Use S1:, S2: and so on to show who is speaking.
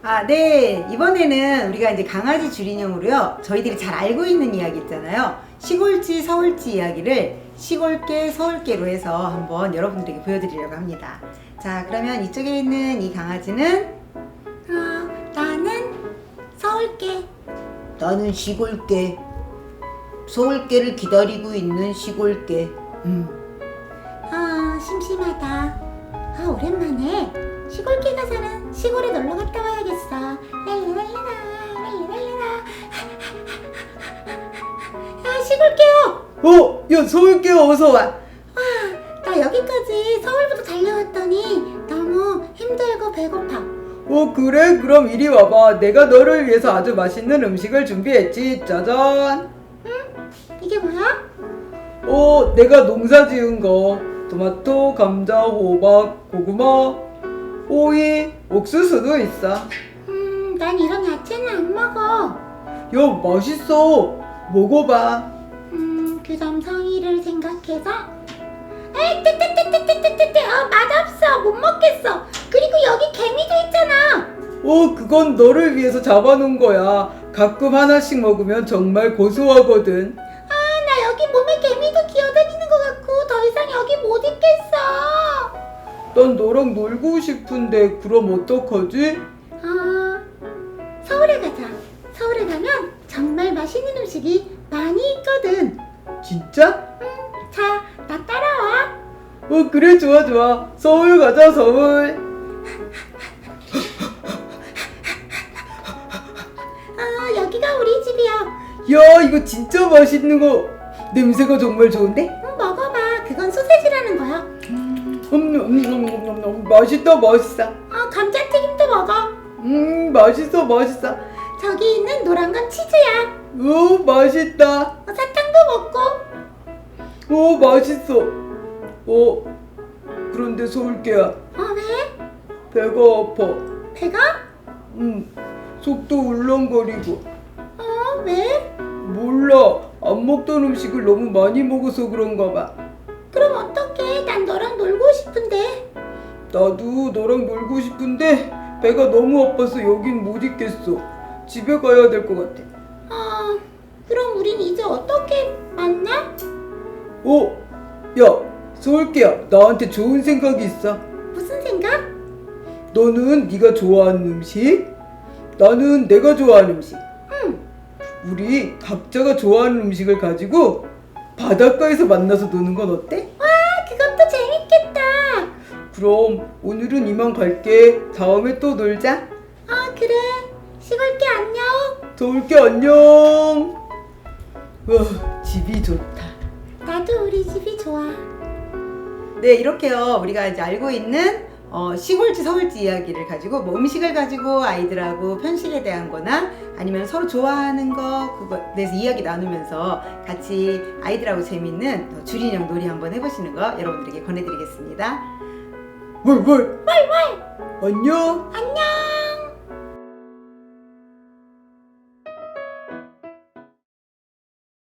S1: 네. 이번에는 우리가 이제 강아지 줄인형으로요. 저희들이 잘 알고 있는 이야기 있잖아요. 시골쥐, 서울쥐 이야기를 시골개, 서울개로 해서 한번 여러분들에게 보여드리려고 합니다. 자, 그러면 이쪽에 있는 이 강아지는
S2: 나는 서울개.
S3: 나는 시골개. 서울개를 기다리고 있는 시골개.
S2: 심심하다. 오랜만에 시골개가 사는 시골에 놀러 갔다 와야겠어. 랄라랄라라, 랄라랄라라. 시골개요.
S1: 야, 서울개야, 어서와.
S2: 나 여기까지 서울부터 달려왔더니 너무 힘들고 배고파.
S1: 그래? 그럼 이리 와봐. 내가 너를 위해서 아주 맛있는 음식을 준비했지. 짜잔.
S2: 이게 뭐야?
S1: 내가 농사 지은 거. 토마토, 감자, 호박, 고구마, 오이, 옥수수도 있어.
S2: 난 이런 야채는 안 먹어.
S1: 야, 맛있어. 먹어봐.
S2: 그럼 성의를 생각해서. 맛없어. 못 먹겠어. 그리고 여기 개미도 있잖아.
S1: 그건 너를 위해서 잡아놓은 거야. 가끔 하나씩 먹으면 정말 고소하거든.
S2: 나 여기 몸에 개미도 기어다니는 것 같고 더 이상 여기 못 있겠어.
S1: 난 너랑 놀고 싶은데 그럼 어떡하지?
S2: 서울에 가자. 서울에 가면 정말 맛있는 음식이 많이 있거든.
S1: 진짜?
S2: 자, 나 따라와.
S1: 그래, 좋아, 좋아. 서울 가자, 서울.
S2: 여기가 우리 집이야.
S1: 야, 이거 진짜 맛있는 거. 냄새가 정말 좋은데?
S2: 먹어봐. 그건 소세지라는 거야.
S1: 맛있다, 맛있어.
S2: 감자튀김도 먹어.
S1: 맛있어, 맛있어.
S2: 저기 있는 노란 건 치즈야.
S1: 맛있다.
S2: 사탕도 먹고.
S1: 맛있어. 그런데 서울개야,
S2: 왜?
S1: 배가 아파.
S2: 배가?
S1: 속도 울렁거리고.
S2: 왜?
S1: 몰라. 안 먹던 음식을 너무 많이 먹어서 그런가 봐.
S2: 그럼 어떡해? 난 너랑 놀고 싶은데.
S1: 나도 너랑 놀고 싶은데 배가 너무 아파서 여긴 못 있겠어. 집에 가야 될 것 같아.
S2: 그럼 우린 이제 어떻게 만나?
S1: 야, 서울개야. 나한테 좋은 생각이 있어.
S2: 무슨 생각?
S1: 너는 네가 좋아하는 음식, 나는 내가 좋아하는 음식. 우리 각자가 좋아하는 음식을 가지고 바닷가에서 만나서 노는 건 어때?
S2: 그것도 재밌겠다.
S1: 그럼 오늘은 이만 갈게. 다음에 또 놀자.
S2: 그래. 시골개 안녕.
S1: 서울개 안녕. 집이 좋다.
S2: 나도 우리 집이 좋아.
S1: 네, 이렇게요. 우리가 이제 알고 있는 시골쥐, 서울쥐 이야기를 가지고 뭐 음식을 가지고 아이들하고 편식에 대한 거나 아니면 서로 좋아하는 거 그거에 대해서 이야기 나누면서 같이 아이들하고 재밌는 줄인형 놀이 한번 해보시는 거 여러분들에게 권해드리겠습니다. 뭘. 안녕.
S2: 안녕.